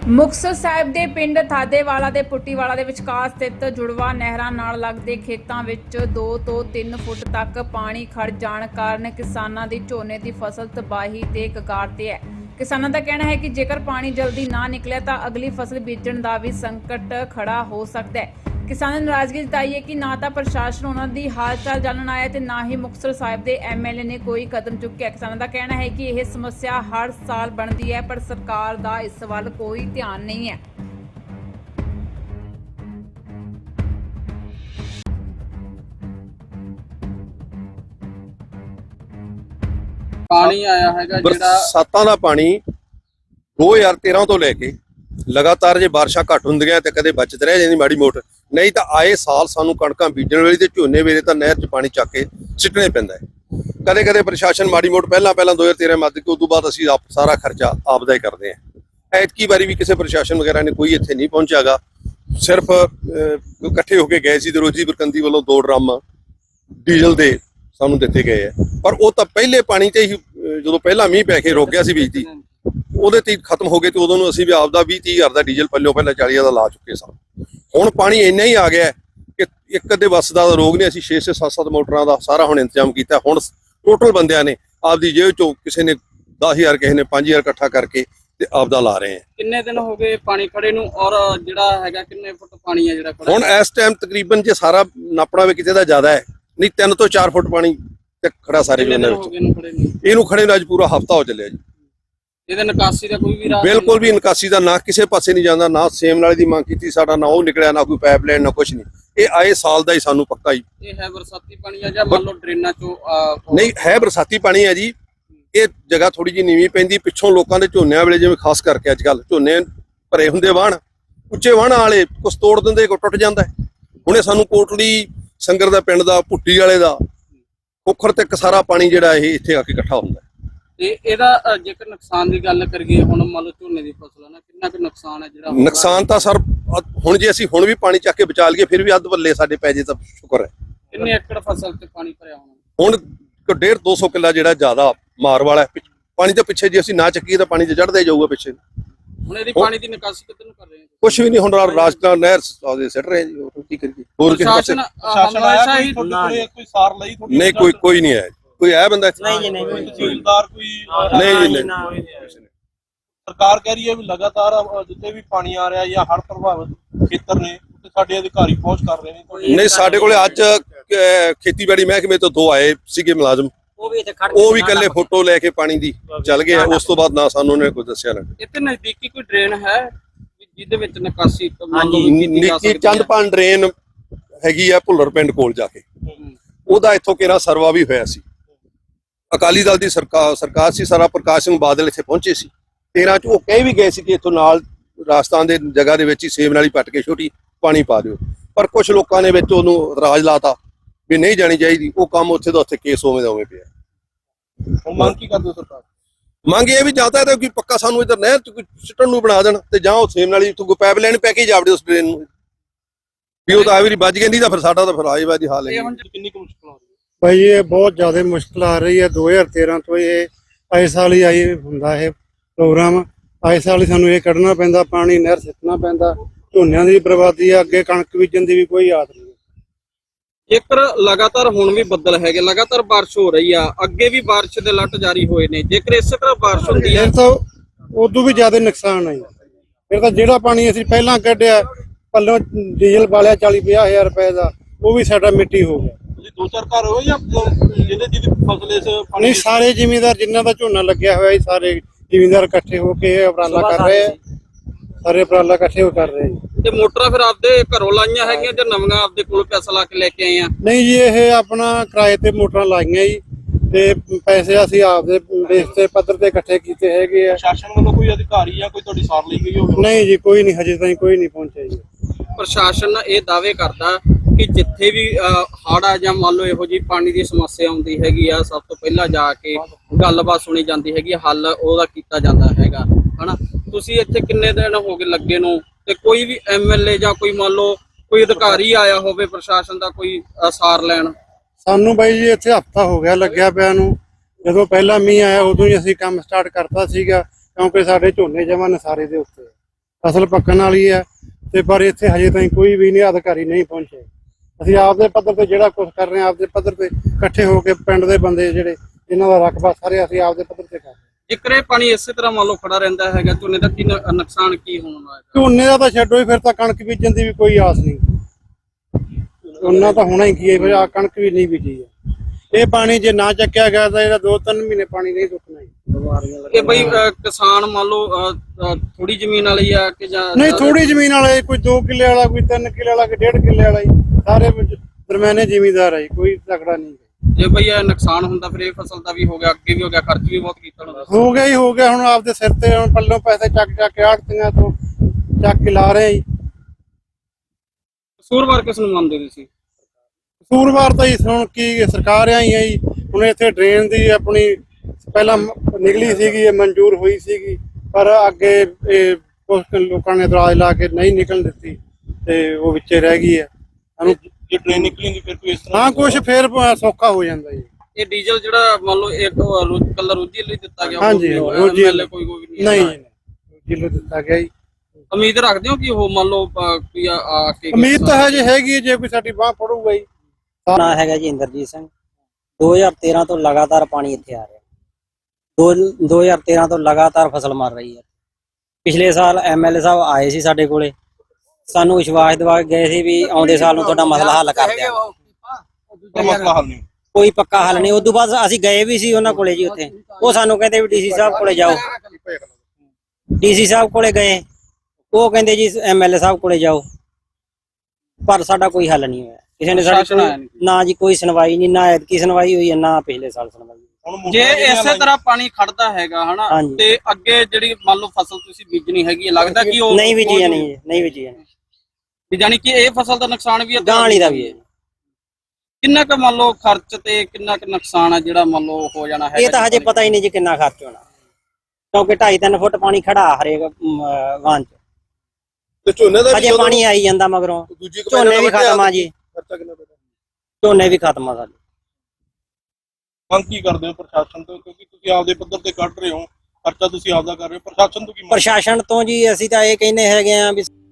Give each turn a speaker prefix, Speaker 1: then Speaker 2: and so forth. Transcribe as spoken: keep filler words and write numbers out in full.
Speaker 1: ਮੁਕਤਸਰ ਸਾਹਿਬ ਦੇ ਪਿੰਡ ਥਾਦੇਵਾਲਾ ਦੇ ਪੁੱਟੀਵਾਲਾ ਦੇ ਵਿਚਕਾਰ ਸਥਿਤ ਜੁੜਵਾ ਨਹਿਰਾਂ ਨਾਲ ਲੱਗਦੇ ਖੇਤਾਂ ਵਿੱਚ ਦੋ ਤੋਂ ਤਿੰਨ ਫੁੱਟ ਤੱਕ ਪਾਣੀ ਖੜ ਜਾਣ ਕਾਰਨ ਕਿਸਾਨਾਂ ਦੀ ਝੋਨੇ ਦੀ ਫਸਲ ਤਬਾਹੀ ਦੇ ਕਗਾਰ ਤੇ ਹੈ। ਕਿਸਾਨਾਂ ਦਾ ਕਹਿਣਾ ਹੈ ਕਿ ਜੇਕਰ ਪਾਣੀ ਜਲਦੀ ਨਾ ਨਿਕਲਿਆ ਤਾਂ ਅਗਲੀ ਫਸਲ ਬੀਜਣ ਦਾ ਵੀ ਸੰਕਟ ਖੜਾ ਹੋ ਸਕਦਾ ਹੈ। ਕਿਸਾਨਾਂ ਨੇ ਨਾਰਾਜ਼ਗੀ ਜਤਾਈ ਹੈ ਕਿ ਨਾ ਤਾਂ ਪ੍ਰਸ਼ਾਸਨ ਉਹਨਾਂ ਦੀ ਹਾਲ ਚਾਲ ਜਾਣਨ ਆਇਆ ਤੇ ਨਾ ਹੀ ਮੁਕਤਸਰ ਸਾਹਿਬ ਦੇ ਐਮ ਐਲ ਏ ਨੇ ਕੋਈ ਕਦਮ ਚੁੱਕਿਆ। ਕਿਸਾਨਾਂ ਦਾ ਕਹਿਣਾ ਹੈ ਕਿ ਇਹ ਸਮੱਸਿਆ ਹਰ ਸਾਲ ਬਣਦੀ ਹੈ ਪਰ ਸਰਕਾਰ ਦਾ ਇਸ ਵੱਲ ਕੋਈ ਧਿਆਨ ਨਹੀਂ ਹੈ।
Speaker 2: ਪਾਣੀ ਆਇਆ ਹੈਗਾ ਜਿਹੜਾ
Speaker 3: ਬਰਸਾਤਾਂ ਦਾ ਪਾਣੀ ਦੋ ਹਜ਼ਾਰ ਤੇਰਾਂ ਤੋਂ ਲੈ ਕੇ ਲਗਾਤਾਰ ਜੇ ਬਾਰਿਸ਼ਾਂ ਘੱਟ ਹੁੰਦੀਆਂ ਤੇ ਕਦੇ ਬਚਤ ਰਹਿ ਜਾਂਦੀ ਮਾੜੀ ਮੋਟ, ਨਹੀਂ ਤਾਂ ਆਏ ਸਾਲ ਸਾਨੂੰ ਕਣਕਾਂ ਬੀਜਣ ਵੇਲੇ ਤੇ ਝੋਨੇ ਵੇਲੇ ਤਾਂ ਨਹਿਰ 'ਚ ਪਾਣੀ ਚੱਕ ਕੇ ਸਿੱਟਣੇ ਪੈਂਦਾ ਹੈ। ਕਦੇ ਕਦੇ ਪ੍ਰਸ਼ਾਸਨ ਮਾੜੀ ਮੋਟ ਪਹਿਲਾਂ ਪਹਿਲਾਂ ਦੋ ਹਜ਼ਾਰ ਤੇਰਾਂ ਮੱਧ ਕੇ ਉਦੋਂ ਬਾਅਦ ਅਸੀਂ ਆਪ ਸਾਰਾ ਖਰਚਾ ਆਪਦਾ ਹੀ ਕਰਦੇ ਹਾਂ। ਐਤਕੀ ਵਾਰੀ ਵੀ ਕਿਸੇ ਪ੍ਰਸ਼ਾਸਨ ਵਗੈਰਾ ਨੇ ਕੋਈ ਇੱਥੇ ਨਹੀਂ ਪਹੁੰਚਿਆਗਾ। ਸਿਰਫ ਇਕੱਠੇ ਹੋ ਕੇ ਗਏ ਸੀ ਤੇ ਰੋਜੀ ਬਰਕੰਦੀ ਵੱਲੋਂ ਦੋ ਡਰਮ ਡੀਜ਼ਲ ਦੇ ਸਾਨੂੰ ਦਿੱਤੇ ਗਏ ਆ, ਪਰ ਉਹ ਤਾਂ ਪਹਿਲੇ ਪਾਣੀ ਤੇ ਹੀ ਜਦੋਂ ਪਹਿਲਾਂ ਮੀਂਹ ਪੈ ਕੇ ਰੁਕ ਗਿਆ ਸੀ ਬੀਜਦੀ, ਉਹਦੇ ਤੇ ਖਤਮ ਹੋ ਗਏ ਤੇ ਉਦੋਂ ਨੂੰ ਅਸੀਂ ਵੀ ਆਪਦਾ ਵੀਹ ਤੀਹ ਹਜ਼ਾਰ ਦਾ ਡੀਜ਼ਲ ਪੱਲਿਓ ਪਹਿਲਾਂ ਚਾਲੀ ਹਜ਼ਾਰ ਦਾ ਲਾ ਚੁੱਕੇ ਸਾਂ। ਹੁਣ ਪਾਣੀ ਇੰਨਾ ਹੀ ਆ ਗਿਆ ਕਿ ਇੱਕ ਅੱਧੇ ਬੱਸ ਦਾ ਰੋਗ ਨਹੀਂ, ਅਸੀਂ ਛੇ ਛੇ ਸੱਤ ਸੱਤ ਮੋਟਰਾਂ ਦਾ ਸਾਰਾ ਹੁਣ ਇੰਤਜ਼ਾਮ ਕੀਤਾ। ਹੁਣ ਟੋਟਲ ਬੰਦਿਆਂ ਨੇ ਆਪਦੀ ਜੇਬ ਚੋਂ ਕਿਸੇ ਨੇ ਦਸ ਹਜ਼ਾਰ ਕਿਸੇ ਨੇ ਪੰਜ ਹਜ਼ਾਰ ਇਕੱਠਾ ਕਰਕੇ ਤੇ ਆਪਦਾ ਲਾ ਰਹੇ ਆ।
Speaker 2: ਕਿੰਨੇ ਦਿਨ ਹੋ ਗਏ ਪਾਣੀ ਖੜੇ ਨੂੰ ਔਰ ਜਿਹੜਾ ਹੈਗਾ ਕਿੰਨੇ ਫੁੱਟ ਪਾਣੀ ਹੈ ਜਿਹੜਾ ਖੜਾ?
Speaker 3: ਹੁਣ ਇਸ ਟਾਈਮ ਤਕਰੀਬਨ ਜੇ ਸਾਰਾ ਨਾਪਣਾ ਵੀ ਕਿਤੇ ਦਾ ਜ਼ਿਆਦਾ ਹੈ, ਨਹੀਂ ਤਿੰਨ ਤੋਂ ਚਾਰ ਫੁੱਟ ਪਾਣੀ ਤੇ ਖੜਾ ਸਾਰੇ ਜੋਨਾਂ ਵਿੱਚ। ਇਹਨੂੰ ਖੜੇ ਨੂੰ ਅੱਜ ਪੂਰਾ ਹਫਤਾ ਹੋ ਚੱਲਿਆ ਜੀ।
Speaker 2: ਇਹਦੇ ਨਿਕਾਸੀ ਦਾ ਕੋਈ ਵੀ ਰਾਹ
Speaker 3: ਬਿਲਕੁਲ ਵੀ ਨਿਕਾਸੀ ਦਾ ਨਾ ਕਿਸੇ ਪਾਸੇ ਨਹੀਂ ਜਾਂਦਾ, ਨਾ ਸੇਮ ਨਾਲੇ ਦੀ ਮੰਗ ਕੀਤੀ ਸਾਡਾ, ਨਾ ਉਹ ਨਿਕਲਿਆ, ਨਾ ਕੋਈ ਪਾਈਪਲਾਈਨ, ਨਾ ਕੁਝ ਨਹੀਂ। ਇਹ ਆਏ ਸਾਲ ਦਾ ਹੀ ਸਾਨੂੰ ਪੱਕਾ ਹੀ
Speaker 2: ਇਹ ਹੈ ਬਰਸਾਤੀ ਪਾਣੀ ਆ ਜਾਂ ਮੰਨ ਲਓ ਡਰੇਨਾਂ ਚੋਂ
Speaker 3: ਨਹੀਂ ਹੈ, ਬਰਸਾਤੀ ਪਾਣੀ ਹੈ ਜੀ। ਇਹ ਜਗ੍ਹਾ ਥੋੜੀ ਜਿਹੀ ਨੀਵੀਂ ਪੈਂਦੀ, ਪਿੱਛੋਂ ਲੋਕਾਂ ਦੇ ਝੋਨਿਆਂ ਵੇਲੇ ਜਿਵੇਂ ਖਾਸ ਕਰਕੇ ਅੱਜ ਕੱਲ ਝੋਨੇ ਭਰੇ ਹੁੰਦੇ ਵਾਹਣ, ਉੱਚੇ ਵਾਹਣ ਵਾਲੇ ਕੁਛ ਤੋੜ ਦਿੰਦੇ, ਕੋ ਟੁੱਟ ਜਾਂਦਾ। ਹੁਣੇ ਸਾਨੂੰ ਕੋਟਲੀ ਸੰਗਰ ਦਾ ਪਿੰਡ ਦਾ ਭੁੱਟੀ ਵਾਲੇ ਦਾ ਪੁੱਖਰ ਤੱਕ ਸਾਰਾ ਪਾਣੀ ਜਿਹੜਾ ਇਹ ਇੱਥੇ ਆ ਕੇ ਇਕੱਠਾ ਹੁੰਦਾ।
Speaker 2: ਤੇ ਇਹਦਾ ਜੇਕਰ ਨੁਕਸਾਨ ਦੀ ਗੱਲ ਕਰੀਏ, ਹੁਣ ਮੰਨ ਲਓ ਝੋਨੇ ਦੀ ਫਸਲ ਹੈ ਨਾ, ਕਿੰਨਾ ਕੁ ਨੁਕਸਾਨ ਹੈ ਜਿਹੜਾ?
Speaker 3: ਨੁਕਸਾਨ ਤਾਂ ਸਰ ਹੁਣ ਜੇ ਅਸੀਂ ਹੁਣ ਵੀ ਪਾਣੀ ਚੱਕ ਕੇ ਬਚਾ ਲਈਏ ਫਿਰ ਵੀ ਅੱਧ ਪੱਲੇ ਸਾਡੇ ਪੈ ਜੇ ਤਾਂ ਸ਼ੁਕਰ ਹੈ।
Speaker 2: ਕਿੰਨੇ ਏਕੜ ਫਸਲ ਤੇ ਪਾਣੀ ਭਰਿਆ ਹੋਣਾ?
Speaker 3: ਹੁਣ ਡੇਢ ਦੋ ਸੌ ਕਿੱਲਾ ਜਿਹੜਾ ਜ਼ਿਆਦਾ ਮਾਰ ਵਾਲਾ ਹੈ। ਪਾਣੀ ਦੇ ਪਿੱਛੇ ਜੇ ਅਸੀਂ ਨਾ ਚੱਕੀਏ ਤਾਂ ਪਾਣੀ ਤੇ ਚੜਦਾ ਹੀ ਜਾਊਗਾ ਪਿੱਛੇ।
Speaker 2: ਹੁਣ ਇਹਦੀ ਪਾਣੀ ਦੀ ਨਿਕਾਸੀ ਕਿੱਧਰ ਨੂੰ ਕਰ ਰਹੇ ਹੋ?
Speaker 3: ਕੁਛ ਵੀ ਨਹੀਂ, ਹੁਣ ਰਾਜਸਥਾਨ ਨਹਿਰ ਆਦੇ ਸਿੱਟ ਰਹੇ ਜੀ, ਹੋਰ ਕੀ ਕਰੀਏ? ਹੋਰ ਕਿਸੇ ਪਾਸੇ
Speaker 2: ਹਮੇਸ਼ਾ ਹੀ
Speaker 4: ਕੋਈ ਸਾਰ ਲਈ ਤੁਹਾਡੀ?
Speaker 3: ਨਹੀਂ, ਕੋਈ ਕੋਈ ਨਹੀਂ ਹੈ। ਕੋਈ ਹੈ ਬੰਦਾ ਇੱਥੇ?
Speaker 4: ਨਹੀਂ ਜੀ, ਨਹੀਂ ਕੋਈ ਤਹਿਸੀਲਦਾਰ ਕੋਈ
Speaker 3: ਨਹੀਂ ਜੀ, ਨਹੀਂ।
Speaker 4: ਸਰਕਾਰ ਕਹਿ ਰਹੀ ਹੈ ਵੀ ਲਗਾਤਾਰ ਜਿੱਥੇ ਵੀ ਪਾਣੀ ਆ ਰਿਹਾ ਜਾਂ ਹੜ੍ਹ ਪ੍ਰਭਾਵਿਤ ਖੇਤਰ ਨੇ ਉੱਥੇ ਸਾਡੇ ਅਧਿਕਾਰੀ ਪਹੁੰਚ ਕਰ ਰਹੇ ਨੇ।
Speaker 3: ਨਹੀਂ, ਸਾਡੇ ਕੋਲੇ ਅੱਜ ਖੇਤੀਬਾੜੀ ਮਹਿਕਮੇ ਤੋਂ ਦੋ ਆਏ ਸੀਗੇ ਮੁਲਾਜ਼ਮ, ਉਹ ਵੀ ਇਕੱਲੇ ਫੋਟੋ ਲੈ ਕੇ ਪਾਣੀ ਦੀ ਚੱਲ ਗਏ। ਉਸ ਤੋਂ ਬਾਅਦ ਨਾ ਸਾਨੂੰ ਉਹਨੇ ਕੁਝ ਦੱਸਿਆ ਨਾ।
Speaker 2: ਇੱਥੇ ਨਜ਼ਦੀਕੀ ਕੋਈ ਡਰੇਨ ਹੈ ਜਿਹਦੇ ਵਿੱਚ ਨਿਕਾਸੀ?
Speaker 3: ਨਿੱਕੀ ਚੰਦਪਾਨ ਡਰੇਨ ਹੈਗੀ ਆ ਭੁੱਲਰ ਪਿੰਡ ਕੋਲ ਜਾ ਕੇ, ਉਹਦਾ ਇੱਥੋਂ ਕਿਹੜਾ ਸਰਵਾ ਵੀ ਹੋਇਆ ਸੀ। ਅਕਾਲੀ ਦਲ ਦੀ ਸਰਕਾਰ ਸਰਕਾਰ ਸੀ, ਸਾਰਾ ਪ੍ਰਕਾਸ਼ ਸਿੰਘ ਬਾਦਲ ਇੱਥੇ ਪਹੁੰਚੇ ਸੀ ਤੇਰਾਂ ਚ। ਉਹ ਕਹਿ ਵੀ ਗਏ ਸੀ ਕਿ ਇੱਥੋਂ ਨਾਲ ਰਾਜਸਥਾਨ ਦੇ ਜਗ੍ਹਾ ਦੇ ਵਿੱਚ ਹੀ ਸੇਮ ਨਾਲੀ ਪੱਟ ਕੇ ਛੋਟੀ ਪਾਣੀ ਪਾ ਦਿਓ, ਪਰ ਕੁਝ ਲੋਕਾਂ ਨੇ ਵਿੱਚ ਉਹਨੂੰ ਇਤਰਾਜ਼ ਲਾਤਾ ਵੀ ਨਹੀਂ ਜਾਣੀ ਚਾਹੀਦੀ। ਉਹ ਕੰਮ ਉੱਥੇ ਦਾ ਉੱਥੇ ਕੇਸ ਉਵੇਂ ਦਾ ਉਵੇਂ ਪਿਆ।
Speaker 4: ਹੁਣ ਮੰਗ ਕੀ ਕਰਦੇ ਹੋ ਸਰਕਾਰ?
Speaker 3: ਮੰਗ ਇਹ ਵੀ ਜਾਂਦਾ ਤਾਂ ਕਿ ਪੱਕਾ ਸਾਨੂੰ ਇੱਧਰ ਨਹਿਰ ਚ ਕੋਈ ਸਿੱਟਣ ਨੂੰ ਬਣਾ ਦੇਣ ਤੇ ਜਾਂ ਉਹ ਸੇਮ ਨਾਲੀ ਤੋਂ ਕੋਈ ਪਾਈਪਲਾਈਨ ਪੈ ਕੇ ਜਾਵੜੇ ਉਸ ਡਰੇਨ ਨੂੰ, ਵੀ ਉਹ ਤਾਂ ਆ ਵੀ ਵੱਜ ਗਈ, ਨਹੀਂ ਤਾਂ ਫਿਰ ਸਾਡਾ ਤਾਂ ਫਿਰ ਆਏ ਬਾਜੀ ਹਾਲ ਹੈ।
Speaker 4: ਕਿੰਨੀ ਕੁ ਮੁਸ਼ਕਲ ਹੋ ਰਹੀ ਹੈ
Speaker 5: ਭਾਈ? ਇਹ ਬਹੁਤ ਜ਼ਿਆਦਾ ਮੁਸ਼ਕਲ ਆ ਰਹੀ ਹੈ। ਦੋ ਹਜ਼ਾਰ ਤੇਰਾਂ ਤੋਂ ਇਹ ਆਏ ਸਾਲ ਹੀ ਆਈ ਹੁੰਦਾ ਇਹ ਪ੍ਰੋਗਰਾਮ। ਆਏ ਸਾਲ ਹੀ ਸਾਨੂੰ ਇਹ ਕੱਢਣਾ ਪੈਂਦਾ ਪਾਣੀ, ਨਹਿਰ ਸਿੱਟਣਾ ਪੈਂਦਾ। ਝੋਨਿਆਂ ਦੀ ਬਰਬਾਦੀ ਆ, ਅੱਗੇ ਕਣਕ ਬੀਜਣ ਦੀ ਵੀ ਕੋਈ ਆਸ ਨਹੀਂ।
Speaker 2: ਜੇਕਰ ਲਗਾਤਾਰ ਹੁਣ ਵੀ ਬੱਦਲ ਹੈਗੇ, ਲਗਾਤਾਰ ਬਾਰਿਸ਼ ਹੋ ਰਹੀ ਆ, ਅੱਗੇ ਵੀ ਬਾਰਿਸ਼ ਦੇ ਲੱਟ ਜਾਰੀ ਹੋਏ ਨੇ, ਜੇਕਰ ਇਸੇ ਤਰ੍ਹਾਂ ਬਾਰਿਸ਼ ਹੁੰਦੀ ਹੈ
Speaker 5: ਫਿਰ ਤਾਂ ਉਦੋਂ ਵੀ ਜ਼ਿਆਦਾ ਨੁਕਸਾਨ ਹੈ। ਫਿਰ ਤਾਂ ਜਿਹੜਾ ਪਾਣੀ ਅਸੀਂ ਪਹਿਲਾਂ ਕੱਢਿਆ ਪੱਲੋਂ ਡੀਜ਼ਲ ਵਾਲਿਆ ਚਾਲੀ ਪੰਜਾਹ ਹਜ਼ਾਰ ਰੁਪਏ ਦਾ, ਉਹ ਵੀ ਸਾਡਾ ਮਿੱਟੀ ਹੋ ਗਿਆ।
Speaker 4: ਤੁਸੀਂ ਦੋ ਚਾਰ ਘਰ ਹੋਏ ਜਾਂ ਜਿਹਦੇ ਜਿਹਦੀ ਫਸਲ ਇਸ ਪਾਣੀ?
Speaker 5: ਨਹੀਂ, ਸਾਰੇ ਜ਼ਿਮੀਂਦਾਰ ਜਿਨ੍ਹਾਂ ਦਾ ਝੋਨਾ ਲੱਗਿਆ ਹੋਇਆ ਸਾਰੇ ਜ਼ਿਮੀਂਦਾਰ ਇਕੱਠੇ ਹੋ ਕੇ ਇਹ ਉਪਰਾਲਾ ਕਰ ਰਹੇ ਆ। ਸਾਰੇ ਉਪਰਾਲਾ ਇਕੱਠੇ ਹੋ ਕਰ ਰਹੇ ਆ।
Speaker 2: ਤੇ ਮੋਟਰਾਂ ਫਿਰ ਆਪਦੇ ਘਰੋਂ ਲਾਈਆਂ ਹੈਗੀਆਂ ਜਾਂ ਨਵੀਆਂ ਆਪਦੇ ਕੋਲ ਪੈਸਾ ਲਾ ਕੇ ਲੈ ਕੇ ਆਏ ਆ?
Speaker 5: ਨਹੀਂ ਜੀ, ਇਹ ਆਪਣਾ ਕਿਰਾਏ ਤੇ ਮੋਟਰਾਂ ਲਾਈਆਂ ਜੀ, ਤੇ ਪੈਸੇ ਅਸੀਂ ਆਪਦੇ ਬੇਸ ਤੇ ਪੱਧਰ ਤੇ ਇਕੱਠੇ ਕੀਤੇ ਹੈਗੇ ਆ।
Speaker 4: ਪ੍ਰਸ਼ਾਸਨ ਵੱਲੋਂ ਕੋਈ ਅਧਿਕਾਰੀ ਜਾਂ ਕੋਈ ਤੁਹਾਡੀ ਸਾਰ ਲਈ ਗਈ ਹੋਵੇ?
Speaker 5: ਨਹੀਂ ਜੀ, ਕੋਈ ਨਹੀਂ, ਹਜੇ ਤਾਈਂ ਕੋਈ ਨਹੀਂ ਪਹੁੰਚਿਆ ਜੀ।
Speaker 2: ਪ੍ਰਸ਼ਾਸਨ ਇਹ ਦਾਅਵੇ ਕਰਦਾ ਕਿ ਜਿੱਥੇ ਵੀ ਹੜ੍ਹ ਆ ਜਾਂ ਮੰਨ ਲਓ ਇਹੋ ਜਿਹੀ ਪਾਣੀ ਦੀ ਸਮੱਸਿਆ ਆਉਂਦੀ ਹੈਗੀ ਆ, ਸਭ ਤੋਂ ਪਹਿਲਾਂ ਜਾ ਕੇ ਗੱਲਬਾਤ ਸੁਣੀ ਜਾਂਦੀ ਹੈਗੀ, ਹੱਲ ਉਹਦਾ ਕੀਤਾ ਜਾਂਦਾ ਹੈਗਾ, ਹਨਾ। ਤੁਸੀਂ ਇੱਥੇ ਕਿੰਨੇ ਦਿਨ ਹੋ ਗਏ ਲੱਗੇ ਨੂੰ, ਤੇ ਕੋਈ ਵੀ ਐਮ ਐਲ ਏ ਜਾਂ ਕੋਈ ਮੰਨ ਲਓ ਕੋਈ ਅਧਿਕਾਰੀ ਆਇਆ ਹੋਵੇ ਪ੍ਰਸ਼ਾਸਨ ਦਾ ਕੋਈ ਸਾਰ ਲੈਣ?
Speaker 5: ਸਾਨੂੰ ਬਾਈ ਜੀ ਇੱਥੇ ਹਫਤਾ ਹੋ ਗਿਆ ਲੱਗਿਆ ਪਿਆ ਨੂੰ। ਜਦੋਂ ਪਹਿਲਾ ਮੀਂਹ ਆਇਆ ਉਦੋਂ ਹੀ ਅਸੀਂ ਕੰਮ ਸਟਾਰਟ ਕਰਤਾ ਸੀਗਾ, ਕਿਉਂਕਿ ਸਾਡੇ ਝੋਨੇ ਜਮਾਂ ਨਸਾਰੇ ਦੇ ਉੱਤੇ। ਫਸਲ ਪੱਕਣ ਵਾਲੀ ਹੈ ਤੇ ਪਰ ਇੱਥੇ ਹਜੇ ਤਾਈਂ ਕੋਈ ਵੀ ਨਹੀਂ ਅਧਿਕਾਰੀ ਨਹੀਂ ਪਹੁੰਚੇ। ਅਸੀਂ ਆਪਦੇ ਪੱਧਰ ਤੇ ਜਿਹੜਾ ਕੁਝ ਕਰ ਰਹੇ ਹਾਂ ਆਪਦੇ ਪੱਧਰ ਤੇ ਇਕੱਠੇ ਹੋ ਕੇ ਪਿੰਡ ਦੇ ਬੰਦੇ ਜਿਹੜੇ ਇਹਨਾਂ ਦਾ ਰਕਬਾ ਸਾਰੇ ਅਸੀਂ ਆਪਦੇ ਪੱਧਰ ਤੇ ਕਰ ਰਹੇ ਹਾਂ।
Speaker 2: ਜੇਕਰ ਇਹ ਪਾਣੀ ਇਸੇ ਤਰ੍ਹਾਂ ਮੰਨ ਲਓ ਖੜਾ ਰਹਿੰਦਾ ਹੈਗਾ ਝੋਨੇ ਦਾ ਕੀ ਨ- ਨੁਕਸਾਨ ਕੀ ਹੋਣਾ ਹੈ?
Speaker 5: ਝੋਨੇ ਦਾ ਤਾਂ ਛੱਡੋ ਹੀ, ਫਿਰ ਤਾਂ ਕਣਕ ਬੀਜਣ ਦੀ ਵੀ ਕੋਈ ਆਸ ਨਹੀਂ। ਉਹਨਾਂ ਤਾਂ ਹੋਣਾ ਹੀ ਕੀ ਹੈ, ਫਿਰ ਆਹ ਕਣਕ ਵੀ ਨਹੀਂ ਬੀਜੀ ਹੈ। ਇਹ ਪਾਣੀ ਜੇ ਨਾ ਚੱਕਿਆ ਗਿਆ ਤਾਂ ਇਹਦਾ ਦੋ ਤਿੰਨ ਮਹੀਨੇ ਪਾਣੀ ਨਹੀਂ ਰੁਕਣਾ ਜੀ।
Speaker 2: ਇਹ ਬਈ ਅ, ਕਿਸਾਨ ਮੰਨ ਲਓ ਥੋੜੀ ਜ਼ਮੀਨ ਵਾਲੀ ਆ ਕਿ ਜਾਂ
Speaker 5: ਨਹੀਂ, ਥੋੜੀ ਜ਼ਮੀਨ ਵਾਲਾ ਕੋਈ ਦੋ ਕਿੱਲੇ ਵਾਲਾ, ਕੋਈ ਤਿੰਨ ਕਿੱਲੇ ਵਾਲਾ, ਕੋਈ ਡੇਢ ਕਿੱਲੇ ਵਾਲਾ ਜੀ, ਸਾਰੇ ਵਿੱਚ ਦਰਮਿਆਨੇ ਜ਼ਿਮੀਂਦਾਰ ਹੈ ਜੀ, ਕੋਈ ਤਕੜਾ ਨਹੀਂ।
Speaker 2: ਜੇ ਬਈ ਇਹ ਨੁਕਸਾਨ ਹੁੰਦਾ ਫਿਰ ਇਹ ਫਸਲ ਦਾ ਵੀ ਹੋ ਗਿਆ, ਅੱਗੇ ਵੀ ਹੋ ਗਿਆ, ਖਰਚ ਵੀ ਬਹੁਤ ਕੀਤਾ ਹੁੰਦਾ।
Speaker 5: ਹੋ ਗਿਆ ਹੀ ਹੋ ਗਿਆ। ਹੁਣ ਆਪਦੇ ਸਿਰ ਤੇ ਹੁਣ ਪੱਲੋਂ ਪੈਸੇ ਚੱਕ ਚੱਕ ਕੇ ਆੜਤੀਆਂ ਤੋਂ ਚੱਕ ਕੇ ਲਾ ਰਹੇ ਆ ਜੀ।
Speaker 2: ਕਸੂਰਵਾਰ ਕਿਸ ਨੂੰ ਮੰਨਦੇ ਤੁਸੀਂ?
Speaker 5: ਕਸੂਰਵਾਰ ਤਾਂ ਜੀ ਹੁਣ ਕੀ ਸਰਕਾਰ ਆ ਹੀ ਹੈ ਜੀ। ਹੁਣ ਇੱਥੇ ਡਰੇਨ ਦੀ ਆਪਣੀ ਪਹਿਲਾਂ ਮ- ਨਿਕਲੀ ਸੀਗੀ, ਇਹ ਮਨਜ਼ੂਰ ਹੋਈ ਸੀਗੀ, ਪਰ ਅੱਗੇ ਇਹ ਕੁਝ ਲੋਕਾਂ ਨੇ ਇਤਰਾਜ਼ ਲਾ ਕੇ ਨਹੀਂ ਨਿਕਲਣ ਦਿੱਤੀ ਤੇ ਉਹ ਵਿੱਚੇ ਰਹਿ ਗਈ ਹੈ। ਸਾਨੂੰ
Speaker 4: ਜੇ ਟ੍ਰੇਨ ਨਿਕਲੇਗੀ ਫਿਰ ਕੋਈ ਇਸ ਤਰ੍ਹਾਂ
Speaker 5: ਹਾਂ ਕੁਝ ਫੇਰ ਪ- ਸੌਖਾ ਹੋ ਜਾਂਦਾ ਜੀ।
Speaker 2: ਇਹ ਡੀਜ਼ਲ ਜਿਹੜਾ ਮੰਨ ਲਓ ਇੱਕ ਕੱਲਾ ਰੋਜੀ ਲਈ ਦਿੱਤਾ ਗਿਆ,
Speaker 5: ਹਾਂਜੀ,
Speaker 2: ਹੋਰ
Speaker 5: ਰੋਜ਼ੀ
Speaker 2: M L A ਕੋਈ ਕੋਈ ਨਹੀਂ
Speaker 5: ਨਹੀਂ ਜਿੱਲੋ ਦਿੱਤਾ ਗਿਆ ਜੀ।
Speaker 2: ਉਮੀਦ ਰੱਖਦੇ ਹੋ ਕਿ ਉਹ ਮੰਨ ਲਓ ਅ, ਕੋਈ ਆ ਆ ਕੇ
Speaker 5: ਉਮੀਦ ਤਾਂ ਹਜੇ ਹੈਗੀ ਹੈ, ਜੇ ਕੋਈ ਸਾਡੀ ਬਾਹ ਫੜੂਗਾ ਜੀ।
Speaker 6: ਨਾਂ ਹੈਗਾ ਜੀ ਇੰਦਰਜੀਤ ਸਿੰਘ। ਦੋ ਹਜ਼ਾਰ ਤੇਰਾਂ ਤੋਂ ਲਗਾਤਾਰ ਪਾਣੀ ਇੱਥੇ ਆ ਰਿਹਾ। ਦੋ ਦੋ ਹਜ਼ਾਰ ਤੇਰਾਂ ਤੋਂ ਲਗਾਤਾਰ ਫਸਲ ਮਰ ਰਹੀ ਹੈ। ਪਿਛਲੇ ਸਾਲ ਐਮ ਐਲ ਏ ਸਾਹਿਬ ਆਏ ਸੀ ਸਾਡੇ ਕੋਲੇ, ਸਾਨੂੰ ਵਿਸ਼ਵਾਸ ਦਿਵਾ ਕੇ ਗਏ ਸੀ ਵੀ ਆਉਂਦੇ ਸਾਲ ਨੂੰ ਤੁਹਾਡਾ ਮਸਲਾ ਹੱਲ ਕਰ ਦਿਆਂਗੇ।
Speaker 4: ਮਸਲਾ ਹੱਲ ਨਹੀਂ।
Speaker 6: ਕੋਈ ਪੱਕਾ ਹੱਲ ਨਹੀਂ। ਉਦੋਂ ਬਾਅਦ ਅਸੀਂ ਗਏ ਵੀ ਸੀ ਉਹਨਾਂ ਕੋਲੇ ਜੀ, ਉੱਥੇ ਉਹ ਸਾਨੂੰ ਕਹਿੰਦੇ ਵੀ ਡੀਸੀ ਸਾਹਿਬ ਕੋਲੇ ਜਾਓ। ਡੀਸੀ ਸਾਹਿਬ ਕੋਲੇ ਗਏ, ਉਹ ਕਹਿੰਦੇ ਜੀ ਐਮ ਐਲ ਏ ਸਾਹਿਬ ਕੋਲੇ ਜਾਓ, ਪਰ ਸਾਡਾ ਕੋਈ ਹੱਲ ਨਹੀਂ ਹੋਇਆ। ਕਿਸੇ ਨੇ
Speaker 2: ਪ੍ਰਸ਼ਾਸਨ ਆਇਆ
Speaker 6: ਸਾਡੀ
Speaker 2: ਨਹੀਂ।
Speaker 6: ਨਾ ਜੀ ਕੋਈ ਸੁਣਵਾਈ ਨਹੀਂ, ਨਾ ਐਤਕੀ ਸੁਣਵਾਈ ਹੋਈ ਹੈ, ਨਾ ਪਿਛਲੇ ਸਾਲ ਸੁਣਵਾਈ ਹੋਈ।
Speaker 4: ਹੁਣ
Speaker 2: ਜੇ
Speaker 4: ਮੋਟਰਾਂ ਜਿਹੜੀਆਂ
Speaker 2: ਇਸੇ ਤਰ੍ਹਾਂ ਪਾਣੀ ਖੜਦਾ ਹੈਗਾ ਹਨਾ
Speaker 6: ਹਾਂਜੀ।
Speaker 2: ਤੇ ਅੱਗੇ ਜਿਹੜੀ ਮੰਨ ਲਓ ਫਸਲ ਤੁਸੀਂ ਬੀਜਣੀ ਹੈਗੀ ਹੈ, ਲੱਗਦਾ ਕਿ ਉਹ
Speaker 6: ਨਹੀਂ ਬੀਜੀ ਜਾਣੀ ਜੀ, ਨਹੀਂ ਬੀਜੀ ਜਾਣੀ।
Speaker 2: ਵੀ ਜਾਣੀ ਕਿ ਇਹ ਫਸਲ ਦਾ ਨੁਕਸਾਨ ਵੀ ਹੈ ਤੇ
Speaker 6: ਗਾਂ ਵਾਲੀ ਦਾ ਵੀ ਹੈ।
Speaker 2: ਕਿੰਨਾ ਕੁ ਮੰਨ ਲਓ ਖਰਚ ਤੇ ਕਿੰਨਾ ਕੁ ਨੁਕਸਾਨ ਹੈ ਜਿਹੜਾ ਮੰਨ ਲਓ ਹੋ ਜਾਣਾ ਹੈ?
Speaker 6: ਇਹ ਤਾਂ ਹਜੇ ਪਤਾ ਹੀ ਨਹੀਂ ਜੀ ਕਿੰਨਾ ਖਰਚ ਹੋਣਾ, ਕਿਉਂਕਿ ਢਾਈ ਤਿੰਨ ਫੁੱਟ ਪਾਣੀ ਖੜਾ ਹਰੇਕ ਵਾਂ ਚ।
Speaker 3: ਤੇ ਝੋਨੇ ਦਾ
Speaker 6: ਹਜੇ ਪਾਣੀ ਆਈ ਜਾਂਦਾ ਮਗਰੋਂ।
Speaker 3: ਦੂਜੀ
Speaker 6: ਝੋਨੇ ਵੀ ਖਤਮ ਆ ਜੀ,
Speaker 3: ਖਰਚਾ ਕਿੰਨਾ ਪੈਂਦਾ?
Speaker 6: ਝੋਨੇ ਵੀ ਖਤਮ ਆ ਸਾਡੇ।
Speaker 4: ਮੰਗ ਕੀ ਕਰਦੇ ਹੋ ਪ੍ਰਸ਼ਾਸਨ ਤੋਂ, ਕਿਉਂਕਿ ਤੁਸੀਂ ਆਪਦੇ ਪੱਧਰ ਤੇ ਕੱਢ ਰਹੇ ਹੋ ਖਰਚਾ, ਤੁਸੀਂ ਆਪਦਾ ਕਰ ਰਹੇ ਹੋ, ਪ੍ਰਸ਼ਾਸਨ ਤੋਂ ਕੀ ਮੰਗ?
Speaker 6: ਪ੍ਰਸ਼ਾਸਨ ਤੋਂ ਜੀ ਅਸੀਂ ਤਾਂ ਇਹ ਕਹਿੰਦੇ ਹੈਗੇ ਆ ਵੀ